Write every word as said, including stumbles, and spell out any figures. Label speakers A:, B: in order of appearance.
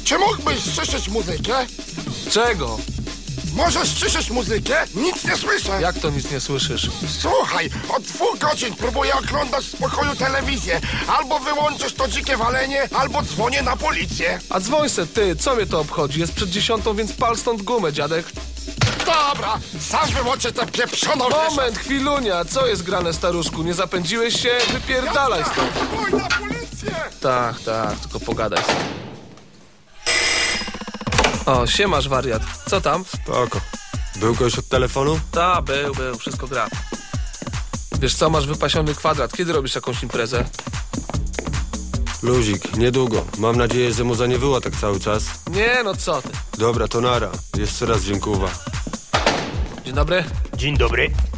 A: Czy mógłbyś ściszyć muzykę?
B: Czego?
A: Możesz ściszyć muzykę? Nic nie słyszę.
B: Jak to nic nie słyszysz?
A: Słuchaj, od dwóch godzin próbuję oglądać w spokoju telewizję. Albo wyłączysz to dzikie walenie, albo dzwonię na policję.
B: A dzwoń se ty, co mnie to obchodzi? Jest przed dziesiątą, więc pal stąd gumę, dziadek.
A: Dobra, sam wyłączę tę pieprzoną
B: Moment, chwilunia, co jest grane, staruszku? Nie zapędziłeś się? Wypierdalaj stąd.
A: Dzwoń na policję!
B: Tak, tak, tylko pogadaj sobie. O, siemasz, wariat. Co tam?
C: Spoko. Był ktoś od telefonu?
B: Ta, był, był, wszystko gra. Wiesz co, masz wypasiony kwadrat. Kiedy robisz jakąś imprezę?
C: Luzik, niedługo. Mam nadzieję, że mu nie było tak cały czas.
B: Nie, no co ty.
C: Dobra, to nara. Jeszcze raz dziękuję.
B: Dzień dobry.
D: Dzień dobry.